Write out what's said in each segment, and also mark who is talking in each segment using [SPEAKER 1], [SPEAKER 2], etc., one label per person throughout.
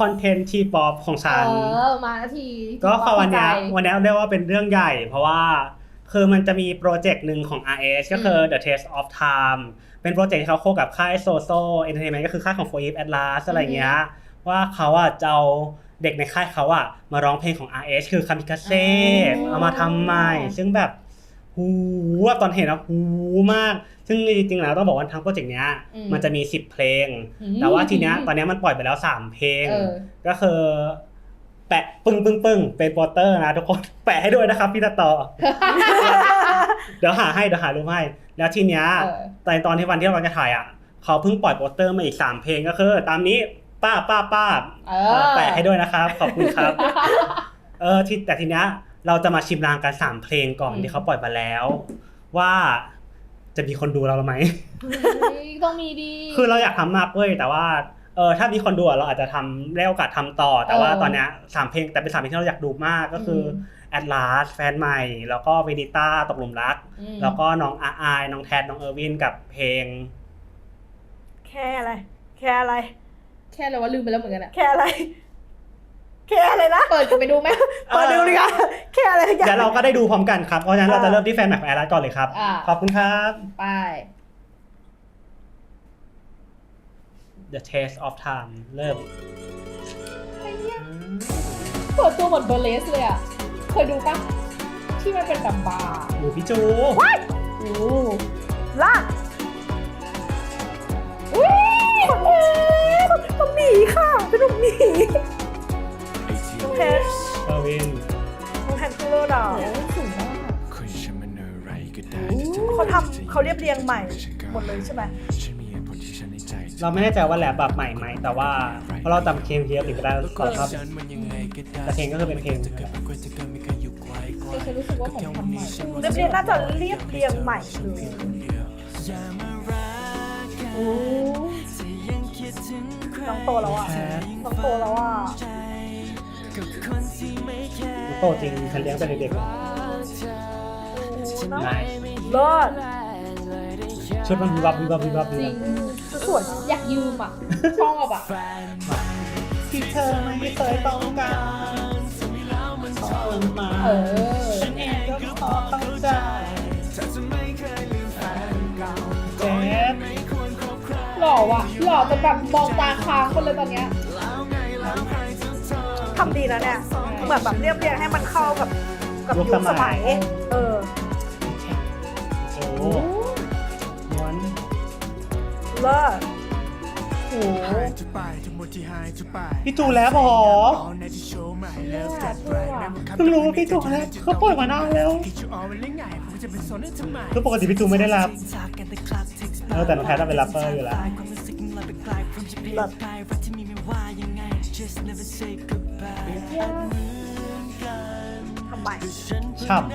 [SPEAKER 1] อนเทนต์ทีป๊อปของฉัน
[SPEAKER 2] มาที
[SPEAKER 1] ก็วันนี้เรียกว่าเป็นเรื่องใหญ่เพราะว่าคือมันจะมีโปรเจกต์หนึ่งของ RH ก็คือ The Taste of Time เป็นโปรเจกต์ที่เขาโคกับค่าย Soso Entertainment ก็คือค่ายของ 4EVE Atlas อะไรเงี้ยว่าเขาจะเอาเด็กในค่ายเขามาร้องเพลงของ RH คือ Kamikaze เอามาทำใหม่ซึ่งแบบหูตอนเห็นหูมากซึ่งจริงๆแล้วต้องบอกว่าทั้งโปรเจกต์เนี้ยมันจะมี10เพลงแต่ว่าทีเนี้ยตอนนี้มันปล่อยไปแล้ว3เพลงก็คือแปะปึ้งเป็นโปสเตอร์นะทุกคนแปะให้ด้วยนะครับพี่ต่อ เดี๋ยวหารูปให้แล้วทีเนี้ยตอนที่วันที่เราจะถ่ายเขาเพิ่งปล่อยโปสเตอร์มาอีก3เพลงก็คือตามนี้ป้าแปะให้ด้วยนะครับขอบคุณครับแต่ทีเนี้ยเราจะมาชิมลางกัน3เพลงก่อนที่เขาปล่อยมาแล้วว่าจะมีคนดูเราไหม
[SPEAKER 2] ต้องมีดี
[SPEAKER 1] คือเราอยากทำมากเว้ยแต่ว่าถ้ามีคนดูเราอาจจะทำได้โอกาสทำต่อแต่ว่าตอนเนี้ย3เพลงแต่เป็น3เพลงที่เราอยากดูมากก็คือAtlas แฟนใหม่แล้วก็เวนิต้าตกหลุมรักแล้วก็น้องอายน้องแทนน้องเออร์วินกับเพลง
[SPEAKER 3] แค่อะไร
[SPEAKER 2] ว่าลืมไปแล้วเหมือนกัน
[SPEAKER 3] แค่อะไรนะ
[SPEAKER 2] เปิดไปดูไหม
[SPEAKER 3] เปิดดูเลยค่ะแค่อะไร
[SPEAKER 1] เดี๋ยวเราก็ได้ดูพร้อมกันครับเพราะฉะนั้นเราจะเริ่มที่แฟนใหม่ของAtlasก่อนเลยครับขอบคุณครับ
[SPEAKER 2] ไป
[SPEAKER 1] The Taste of Time เริ่ม
[SPEAKER 2] เปิดตัวเหมือนเบอร์เลสเลยเคยดูปะที่มันเป็นแบบบาร์
[SPEAKER 1] ดูพี่จู
[SPEAKER 3] ลากต้องหนีค่ะเป็นลูกหนีน้องแทน
[SPEAKER 1] เออร์วิน
[SPEAKER 3] น้องแทนคูโร่ดาว
[SPEAKER 2] สูงมาก
[SPEAKER 3] เขาเรียบเรียงใหม่หมดเลยใช่ไหม
[SPEAKER 1] เราไม่แน่ใจว่าแรปแบบใหม่ไหมแต่ว่าเพราะเราจำเพลงเยอะหรือก็ได้ขอครับแต่เพลงก็คือเป็นเพลง
[SPEAKER 2] ฉันรู้สึกว่าผมทำใหม่
[SPEAKER 3] เรียบเรียงน่าจะเรียบเรียงใหม่เลยน้องโตแล้วน้องโตแล้ว
[SPEAKER 1] โตจริงฉันเลี้ยงแต่เด็กๆ
[SPEAKER 3] เลิศ
[SPEAKER 1] ชุดมันวิบวับ
[SPEAKER 2] จริง
[SPEAKER 3] สวย
[SPEAKER 2] อยากยืมชอบ
[SPEAKER 1] ที่เธอไม่เคยต้องการขอมาฉันเองก็ขอเข้าใจเจ็บ
[SPEAKER 2] หล่อจนแบบมองตาค้างคนเลยตอนเนี้ย
[SPEAKER 3] ทำดีนะเนี่ยเหมือนแบบเรียบเรียงให้มันเข้ากับยุคสมัยเลิศ
[SPEAKER 1] พี่จูแล้วหรอเพิ่งรู้ว่าพี่จูแล้วเขาปล่อยมานานแล้วคือปกติพี่จูไม่ได้รับแต่น้องแพทย์เป็นแรปเปอร์อยู่แล้ว
[SPEAKER 3] ทำไม
[SPEAKER 1] ฉ่ำ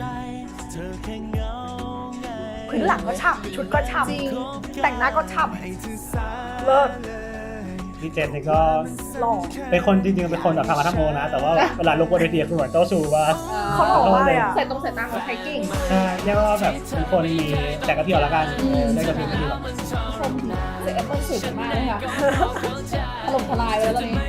[SPEAKER 3] พื้นหลังก็ฉ่ำชุดก็ฉ่ำแต่งหน้าก็ฉ่ำเลิศ
[SPEAKER 1] พี่เจนนี่ก็เป็นคนจริงๆเป็นคนแบบทำมาทำโมนะแต่ว่าเวลาลงบนเวทีคือเหมือนเจ้าชูว่า
[SPEAKER 3] เขาหล่อมากเลย
[SPEAKER 2] ใส่ตาของไทยกิ้ง
[SPEAKER 1] ใช่เรียกว่าแบบเป็นคนมีแต่กระเพียวแล้วกันได้กระเพียวที่แบบ
[SPEAKER 2] ชมเด็กแอปเปิ้ลสวยมากเลยค่ะถล่มทลายไปแล้วตอนนี้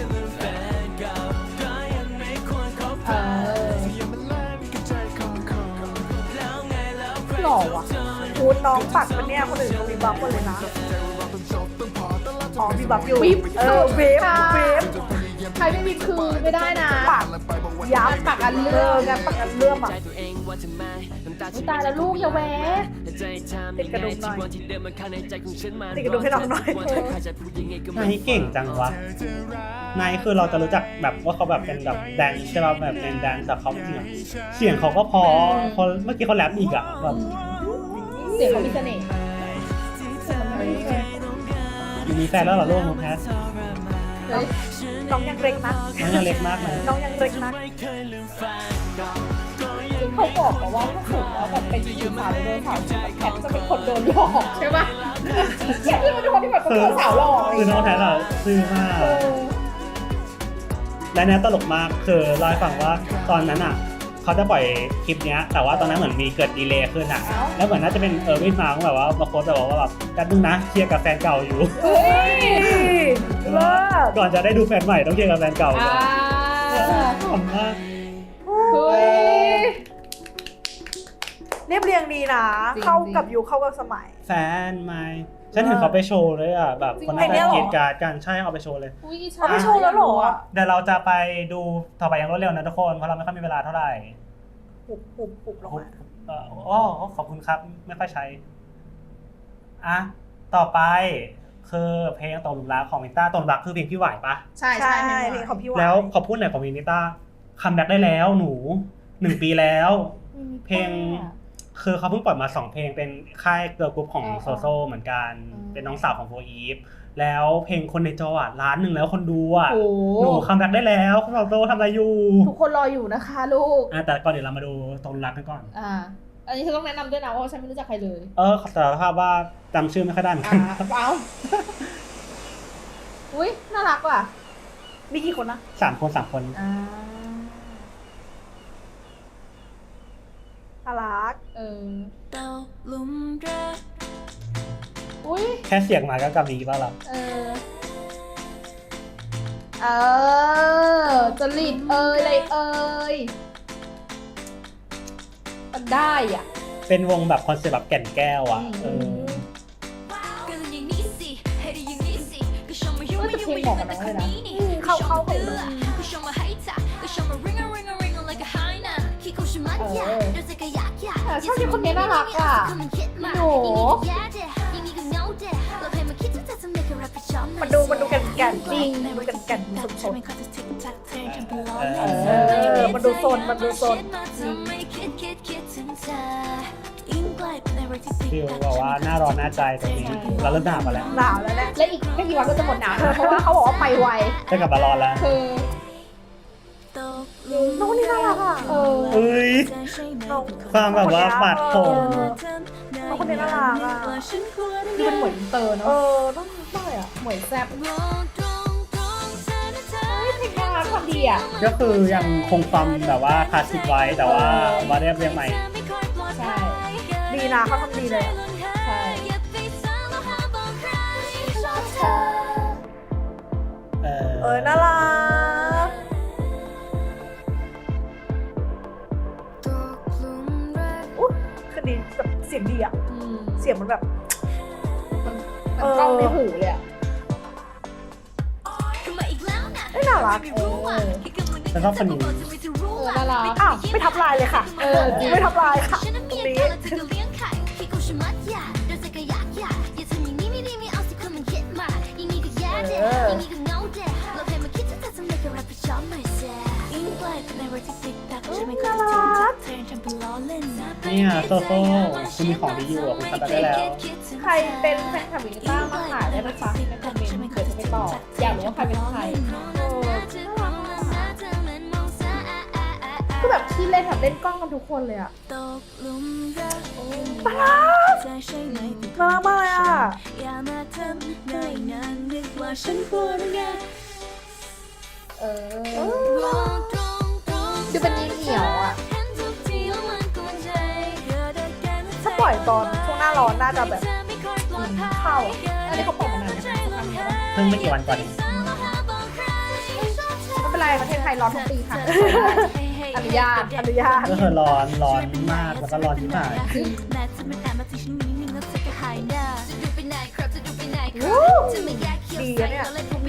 [SPEAKER 3] หล่อว่ะพูดน้องปัดมันเนี่ยคนอื่นเขามีบัฟหมดเลยนะมีบัฟอยู่เวฟ
[SPEAKER 2] ใครไม่มีคือไม่ได้นะ
[SPEAKER 3] ปักย้ำ
[SPEAKER 2] ปักอันเลื่อม
[SPEAKER 3] ปักอันเลื่อม
[SPEAKER 2] ตายแล้วลูกอย่าแหวะ
[SPEAKER 3] ติดกระดุมหน่อยติดกระดุมให้น้องหน่อย
[SPEAKER 1] นายเก่งจังวะนายคือเราจะรู้จักแบบว่าเขาแบบเป็นแบบแดนใช่ป่ะแบบเป็นแดนแต่เขาจริงเสียงเขาก็พอเมื่อกี้เขาแรปอีกแบบ
[SPEAKER 2] เสียงเขามีเสน่ห์
[SPEAKER 1] มีแฟนแล้วเหรอลูกน้องแพท
[SPEAKER 3] น้องยังเล็กนะ
[SPEAKER 1] น้องยังเล็กมากเลย
[SPEAKER 3] น้องยังเล็กนะ
[SPEAKER 2] เขาบอกว่าถ้าถูกแล้วแบบเป็นผู้สาวโดนสาวแพทจะเป็นคนโดนหลอกใช่ปะแพทคือเป็นคนที่แบบเป็นสาวหลอก
[SPEAKER 1] คือน้องแพทซื่อมากและเนี่ยตลกมากคือเล่าให้ฟังว่าตอนนั้นเขาจะปล่อยคลิปนี้แต่ว่าตอนนั้นเหมือนมีเกิดดีเลย์ขึ้นแล้วเหมือนน่าจะเป็นวินมาแบบว่ามาโพสต์แบบว่าแบบแป๊บนึงนะเคลียร์กับแฟนเก่าอยู่
[SPEAKER 3] เลิศ
[SPEAKER 1] ก่อนจะได้ดูแฟนใหม่ต้องเคลียร์กับแฟนเก่าก่อนขำมาก
[SPEAKER 2] เฮ้ย
[SPEAKER 3] เรียบเรียงดีนะ
[SPEAKER 2] จริง
[SPEAKER 3] เข้ากับยุคเข้ากับสมัย
[SPEAKER 1] แฟนใหม่ฉันเห็นเขาไปโชว์เลยอ่ะแบบคน
[SPEAKER 3] จริงเหรอ
[SPEAKER 1] นั้นกรีดการ์ดกันใช่เอาไปโชว์เลย
[SPEAKER 2] อุ้ยอิจฉ
[SPEAKER 3] เอาไปโชว์แล้วเหรอ
[SPEAKER 1] เดี๋ยวเราจะไปดูต่อไปอย่างรวดเร็วนะทุกคนเพราะเราไม่ค่อยมีเวลาเท่าไหร่
[SPEAKER 3] ปุบลงมา
[SPEAKER 1] อ๋อขอบคุณครับไม่ค่อยใช้อ่ะต่อไปคือเพลงตกหลุมรักของมินต้าตกหลุมรักคือเพลงพี่หวายปะ
[SPEAKER 2] ใช่
[SPEAKER 3] ใช่
[SPEAKER 2] ใช่
[SPEAKER 3] เพลงของพี่หวาย
[SPEAKER 1] แล้วขอพูดหน่อยของมินต้าคัมแบ็กได้แล้วหนู1 ปีแล้ว เพลงคือเขาเพิ่งปล่อยมา2 เพลงเป็นค่ายเกิร์ลกรุ๊ปของโซโซเหมือนกันเป็นน้องสาวของโฟอีฟแล้วเพลงคนในจออ่ะ1,000,000แล้วคนดูอ่ะ
[SPEAKER 2] โอ้
[SPEAKER 1] หนูคัมแบ็กได้แล้วโซโซทำอะไรอยู่
[SPEAKER 2] ทุกคนรออยู่นะคะลูก
[SPEAKER 1] แต่ก่อนเดี๋ยวเรามาดูตกหลุมรักกันก่อน
[SPEAKER 2] อันนี้เธอต้องแนะนำด้วยนะเพราะว่าฉันไม่รู้จักใครเลย
[SPEAKER 1] ขอสารภาพว่าจำชื่อไม่ค่อยได้เหมือนกัน
[SPEAKER 2] เอาอุ้ยน่ารักว่ะ
[SPEAKER 3] มีกี่คนนะ
[SPEAKER 1] 3 คน
[SPEAKER 3] น่ารัก
[SPEAKER 4] ตกหลุมรัก
[SPEAKER 2] อุ้ย
[SPEAKER 1] แค่เสียงมาก็กำมีป่ะล่ะ
[SPEAKER 2] จริตอะไรมันได้อ่ะ
[SPEAKER 1] เป็นวงแบบคอนเซ็ปต์แบบแก่นแก้วอ่ะ
[SPEAKER 2] อืม
[SPEAKER 4] ก็เลยอย่างนี้สิให้ได้อย่างนี้สิก็ชมมายุ่ง
[SPEAKER 2] เออแต่เพลงเหมาะกับน้องเลยนะ
[SPEAKER 3] เข้ากับ
[SPEAKER 4] ก็ชมมาให้ถ่าก็ชมมา ring a ring a ring a like a high นะขี้กูชิมัดยาเดี๋ยวจะกระยักยา
[SPEAKER 2] ชอบที่คนนี้น่ารักอ่ะ
[SPEAKER 4] โอ้ยังงี้ก็เงาเด้เราเพลงมาคิดจะทำให้กับรับผิดชอบ
[SPEAKER 3] มันดูแก่นๆ
[SPEAKER 2] จริง
[SPEAKER 3] ดูแก่นๆสด
[SPEAKER 4] ๆ
[SPEAKER 3] มันดูโซน
[SPEAKER 1] ฟิลบอกว่าหน้าร้อนหน้าใจตรงนี้เราเริ่มหนาวมาแล้ว
[SPEAKER 3] ๆหนาวแล้วแหละ
[SPEAKER 2] และอีกไม่กี่วันก็จะหมดหนาวนะเพราะว่าเขาบอกว่าไปไว
[SPEAKER 1] จะกลับมาร้อนแล้ว
[SPEAKER 2] คือ
[SPEAKER 3] น้องคนนี้น่ารักอ่ะ
[SPEAKER 1] เอ้ย ความแบบว่าปาดผม
[SPEAKER 3] น้องคนนี้น่ารักอ่ะ
[SPEAKER 2] ดูเป็นเหมือนอินเตอร์เนาะ
[SPEAKER 3] น่ารักมากเลยอ่ะ
[SPEAKER 2] เหมือนแซ่บเพลงน่ารักความดีอ่ะ
[SPEAKER 1] ก็คือยังคงความแบบว่าคลาสสิกไว้แต่ว่ามาเรียบเรียงใหม่
[SPEAKER 2] ใช่
[SPEAKER 3] ดีนะเขาทำดีเลยอะ
[SPEAKER 2] ใช่
[SPEAKER 3] น่ารักอุ๊ยคือดีแบบเสียงดีอ่ะ เสียงมันแบบ
[SPEAKER 2] มันกล้องในหูเลยอ่ะ
[SPEAKER 3] น่ารัก
[SPEAKER 1] แล้วก็คนนี้
[SPEAKER 2] น่ารัก
[SPEAKER 3] อ้าวไม่ทับลายเลยค่ะ
[SPEAKER 2] จริง
[SPEAKER 3] ไม่ทับลายค่ะตรงนี้
[SPEAKER 1] เนี่ยโซโซ่คุณมีของดีอยู่อ่ะคุณทำได้แล้ว
[SPEAKER 2] ใครเป็นแฟนคลับวินิต้ามาขายได้นะคะในคอมเมนต์เดี๋ยวจะไปตอบอยากรู้ว่าใครเป็นใครคือแบบที่เล่นแบบเล่นกล้องกันทุกคนเลยอ่ะ
[SPEAKER 3] น่ารักน่ารักมากเลยอ่ะ
[SPEAKER 2] คือเป็นเหนียวอ่ะ
[SPEAKER 3] ถ้าปล่อยตอนช่วงหน้าร้อนน่าจะแบบเข้า
[SPEAKER 2] อันนี้เขาปล่อยมานานแล้วนะ
[SPEAKER 1] เพิ่งไม่กี่วันก่อนเอง
[SPEAKER 2] ไม่เป็นไรประเทศไทยร้อนทุกปีค่ะอนุญาต
[SPEAKER 1] ก็คือร้อนมากแล้วก็ร้อนที่มาก
[SPEAKER 3] ดีอะเนี่ย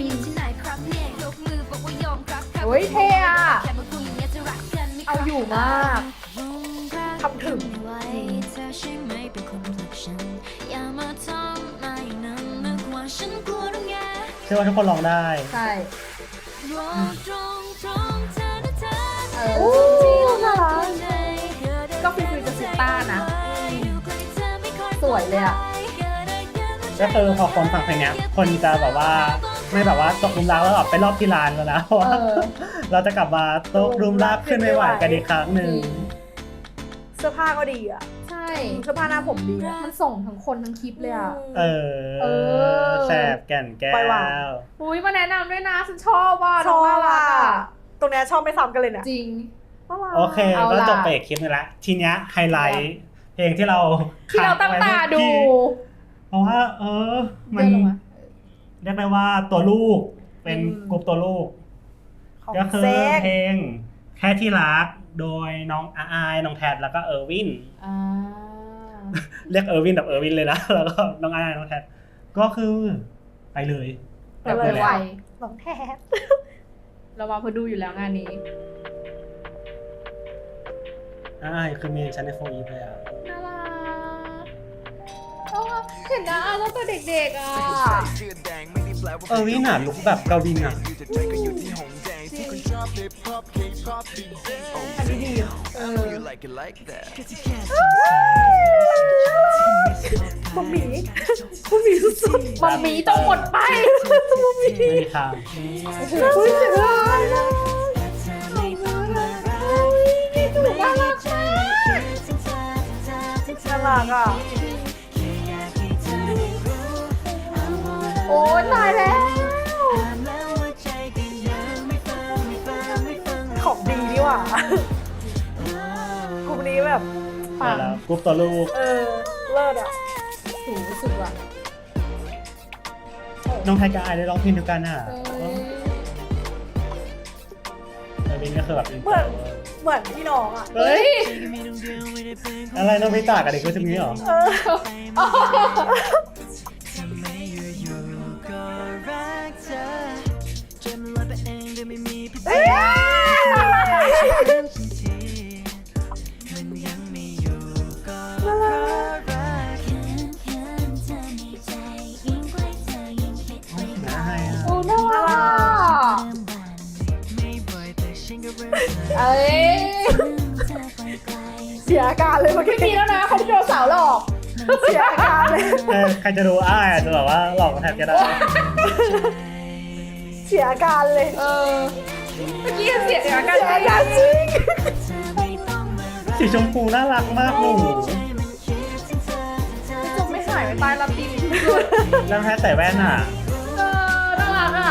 [SPEAKER 2] เฮ้ยเท่อะเอาอยู่มาก
[SPEAKER 3] ทำถึง
[SPEAKER 1] เชื่อว่าทุกคนร้องได้
[SPEAKER 2] ใช่เอ
[SPEAKER 3] โอ้
[SPEAKER 2] อ
[SPEAKER 3] น่ารัก
[SPEAKER 2] ก็ฟิลจะซิต้านะ สวยเลยอ่ะ
[SPEAKER 1] ก็คือพอคนฟังเพลงเนี้ยคนจะแบบว่าไม่แบบว่าตกหลุมรักแล้วแบบไปรอบที่ร้านแล้วนะเพราะว่า เราจะกลับมาตกหลุมรักขึ้นไม่ไหวกันอีกครั้งหนึ่ง
[SPEAKER 3] เสื้อผ้าก็ดีอ่ะ
[SPEAKER 2] ใช่
[SPEAKER 3] เสื้อผ้าหน้าผมดีอะ
[SPEAKER 2] มันส่งทั้งคนทั้งคลิปเลยอ่ะ
[SPEAKER 1] เอ
[SPEAKER 2] เออ
[SPEAKER 1] แสบแก่นแก้
[SPEAKER 3] ปล่อยวาง
[SPEAKER 1] ว
[SPEAKER 2] อุ้ยมาแนะนำด้วยนะฉันชอบว่ะ
[SPEAKER 3] ช
[SPEAKER 2] น้
[SPEAKER 3] อ
[SPEAKER 2] องน่า
[SPEAKER 3] บ
[SPEAKER 2] รัก
[SPEAKER 3] อ่ะ
[SPEAKER 2] อ่ะ
[SPEAKER 3] ตรงเนี้ยชอบไม่ซ้ำกันเลยเนี่ย
[SPEAKER 2] จริง
[SPEAKER 3] น่ารัก
[SPEAKER 1] โอเค
[SPEAKER 2] เอา
[SPEAKER 1] ก็
[SPEAKER 2] ล่ะ
[SPEAKER 1] จบไปอีกคลิปนึงละทีเนี้ยไฮไลท์เพลงที่เรา
[SPEAKER 2] ที่เราตั้งตาดู
[SPEAKER 1] เพราะว่ามัน
[SPEAKER 2] เดินลงมา
[SPEAKER 1] เรียกได้ว่าตัวลูกเป็นกลุ่มตัวลูก
[SPEAKER 3] ของ
[SPEAKER 1] ก็คือ
[SPEAKER 3] เซ็ก
[SPEAKER 1] เพลงแค่ที่รักโดยน้องอายน้องแทดแล้วก็เออร์วิน
[SPEAKER 2] อ่า
[SPEAKER 1] เรียกเออร์วินแบบเออร์วินเลยนะ แล้วก็น้องอายน้องแทดก็คือไปเลย
[SPEAKER 2] แบบ
[SPEAKER 3] ไปเลย
[SPEAKER 2] ไว
[SPEAKER 3] น้องแทบ
[SPEAKER 2] เรามาพอดูอยู่แล้วงานนี้
[SPEAKER 1] อายคือเมนชั้นในโฟอีฟเลยอ่ะ
[SPEAKER 2] น่ารักเอาอะเห็นนะตั้งแต่เด็กๆอ่ะ
[SPEAKER 1] เออร์วินอ่ะลุกแบบกวินอ่ะ
[SPEAKER 3] อันนี้ดี มัมมี่สุด
[SPEAKER 2] มัมมี่ต้องหมดไป
[SPEAKER 1] ไม่มีทาง
[SPEAKER 3] ๆอุ้ยเสียดายนะ
[SPEAKER 2] ถูกน่ารักมาก
[SPEAKER 3] น่ารักอ่ะ
[SPEAKER 2] โอ้ยตายแล้ว
[SPEAKER 3] ของดีนี่หว่ะ กลุ่มนี้แบบ
[SPEAKER 1] มาแล้วกรุ๊ปตัวลูก
[SPEAKER 3] เลิศอ่ะ
[SPEAKER 2] สูงสุดว่ะ
[SPEAKER 1] น้องไทยกับอายได้ร้องเพลงเดียวกันอ่ะ
[SPEAKER 2] เออ
[SPEAKER 1] เออร์วินก็คือแบบ
[SPEAKER 3] เหมือนพี่น้องอ่ะ
[SPEAKER 1] เฮ้ย
[SPEAKER 2] เฮ้ย
[SPEAKER 1] อะไรน้องพิตากับเด็กก็จะมีเหรอ
[SPEAKER 3] เอ้ย
[SPEAKER 1] นะให้อ่ะ
[SPEAKER 2] โอ้น่ารักเอ้ย
[SPEAKER 3] เสียอาการเลยเมื่อ
[SPEAKER 2] ไม่
[SPEAKER 3] กี้
[SPEAKER 2] มีแล้วนะเขาที่โดนสาวหลอก
[SPEAKER 3] เสียอาการเลย
[SPEAKER 1] ใครจะดูอ้ายอาจจะแบบว่าหลอกแทบจะได้
[SPEAKER 3] เสียอาการเลย
[SPEAKER 2] เออเมื่อกี้เสียอาการ
[SPEAKER 3] เสียอาการจริง
[SPEAKER 1] สีชมพูน่ารักมากหนู
[SPEAKER 2] จบไม่หายไปตายรับดี
[SPEAKER 1] แล้วแพ้ใส่แว่นอ่ะ
[SPEAKER 2] เออน่ารักอ่ะ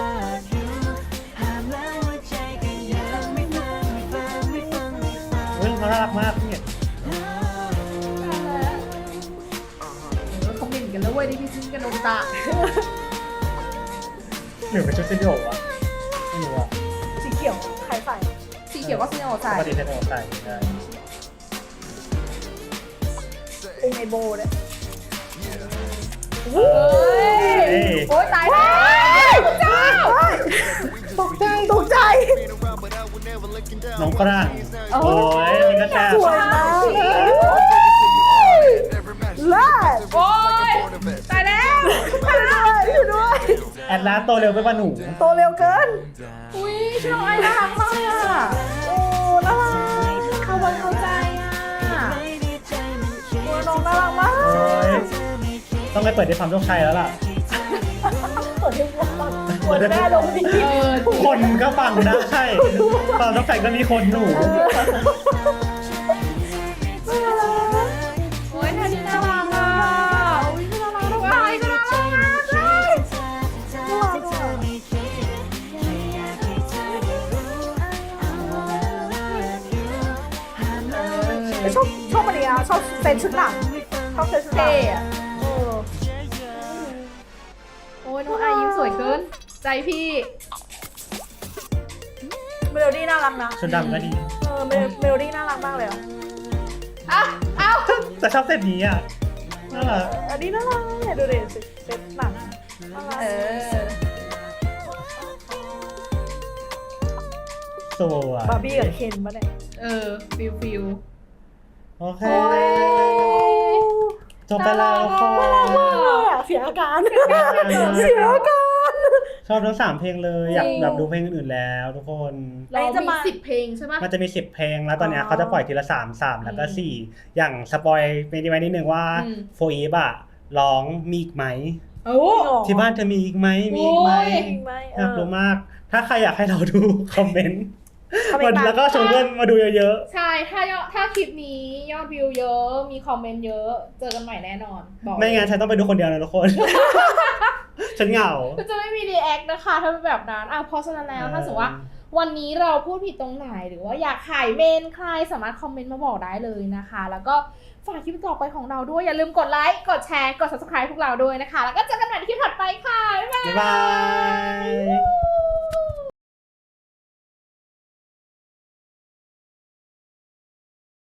[SPEAKER 1] เฮ้ยเขาน่ารักมากพี่
[SPEAKER 2] เขาเหม็นกันแล้วเว้ยที่พี่ซิ้นกันโนบิตะ
[SPEAKER 1] หรือเป็นชุดเซนโยะไม่รู้อ่ะ
[SPEAKER 3] สีเขียวใครใส่
[SPEAKER 2] สีเขียวก็ซินโอ
[SPEAKER 1] ป
[SPEAKER 2] ใส่
[SPEAKER 1] กติเซนโยะใส่ได้
[SPEAKER 3] องไอโบเนี่ย
[SPEAKER 2] เฮ้ยโอ้ยตายแล้วเจ้า
[SPEAKER 3] ตกใจตกใจ
[SPEAKER 1] น้องกระด้างโอ้ยมันก็แซ่บ
[SPEAKER 3] สวยมากเลิศ
[SPEAKER 2] โอ้ยตายแล้ว
[SPEAKER 3] อยู่ด้วย
[SPEAKER 1] แอดลาสโตเร็วไปป่ะหนู
[SPEAKER 3] โตเร็วเกิน
[SPEAKER 2] อุ้ยชอบไอ้น่ารักมากเลยอ่ะ
[SPEAKER 3] โอ้น่ารัก
[SPEAKER 2] เข้าวันเข้าใจอ่ะ
[SPEAKER 3] โอ้น้องน่ารักมาก
[SPEAKER 1] โอ้ยต้องไปเปิดในความโชคชัยแล้วล่ะ
[SPEAKER 3] เปิดให้ฟังเปิดแม่ลงดี
[SPEAKER 2] เออ
[SPEAKER 1] คนก็ฟังได้ความโชคชัยก็มีคนหนู
[SPEAKER 2] โอ้ยท่านี้น่ารักอ่ะอุ้ยน่ารักทุกท่าก็น่ารักมากเลย
[SPEAKER 3] ชอบอันนี้ชอบเซนชุดหนังชอบเซนชุดหนั
[SPEAKER 2] เท่
[SPEAKER 3] ง
[SPEAKER 2] อะ โอ้ยน้องอายยิ้มสวยเกิน ใจพี่
[SPEAKER 3] เมโลดี้น่ารักนะ
[SPEAKER 1] ชุดดำก็ดี
[SPEAKER 3] เมโลดี้น่ารักมากเลยอ่ะ
[SPEAKER 2] อ้าว
[SPEAKER 1] แต่ชอบเซตนี้อ่ะน่ารัก
[SPEAKER 3] อันนี้น่ารักเนี่ยดูดิเซนหนังน่ารัก
[SPEAKER 2] เออ
[SPEAKER 1] สวย
[SPEAKER 3] บาร์บี้กับเคนปะเนี่ย
[SPEAKER 2] เออ ฟิล
[SPEAKER 1] โอเค
[SPEAKER 2] โอ้ย
[SPEAKER 1] จบไปแล้วทุกคน
[SPEAKER 3] เสียอาการเสียอาการ
[SPEAKER 1] ชอบทั้ง3เพลงเลยอยาก
[SPEAKER 2] จริง
[SPEAKER 1] แบบดูเพลงอื่นๆแล้วทุกคน
[SPEAKER 2] เรามี10 เพลงใช่ปะ
[SPEAKER 1] มันจะมี10เพลงแล้วตอนเนี้ยเขาจะปล่อยทีละ3แล้วก็4อย่างสปอยไปนิดนึงว่าโฟอีฟอะร้องมีอีกไหม
[SPEAKER 2] โอ้
[SPEAKER 1] ที่บ้านเธอมีอีกไหมมีอีกไหม
[SPEAKER 2] โอ้ย
[SPEAKER 3] จริงไหม
[SPEAKER 1] อยากรู้มาก ถ้าใครอยากให้เราดูคอมเมนต์
[SPEAKER 3] คอมเมนต์มา
[SPEAKER 1] แล้วก็ชวนเพื่อนมาดูเยอะ
[SPEAKER 2] ใช่ ถ้าคลิปนี้ยอดวิวเยอะ มีคอมเมนต์เยอะ เจอกันใหม่แน่นอน บอก
[SPEAKER 1] ๆไม่งั้นฉันต้องไปดูคนเดียวนะทุกคน ฉันเหงา
[SPEAKER 2] ก็จะไม่มีรีแอคนะคะ ถ้าเป็นแบบนั้นเพราะฉะนั้นแล้วถ้าสมมติว่า วันนี้เราพูดผิดตรงไหนหรือว่าอยากขายเมนใครสามารถคอมเมนต์มาบอกได้เลยนะคะ แล้วก็ฝากคลิปต่อไปของเราด้วยอย่าลืมกดไลค์กดแชร์กด subscribe พวกเราด้วยนะคะ แล้วก็เจอกันใหม่ในคลิปถัดไปค่ะบ๊ายบาย
[SPEAKER 1] บ๊ายบาย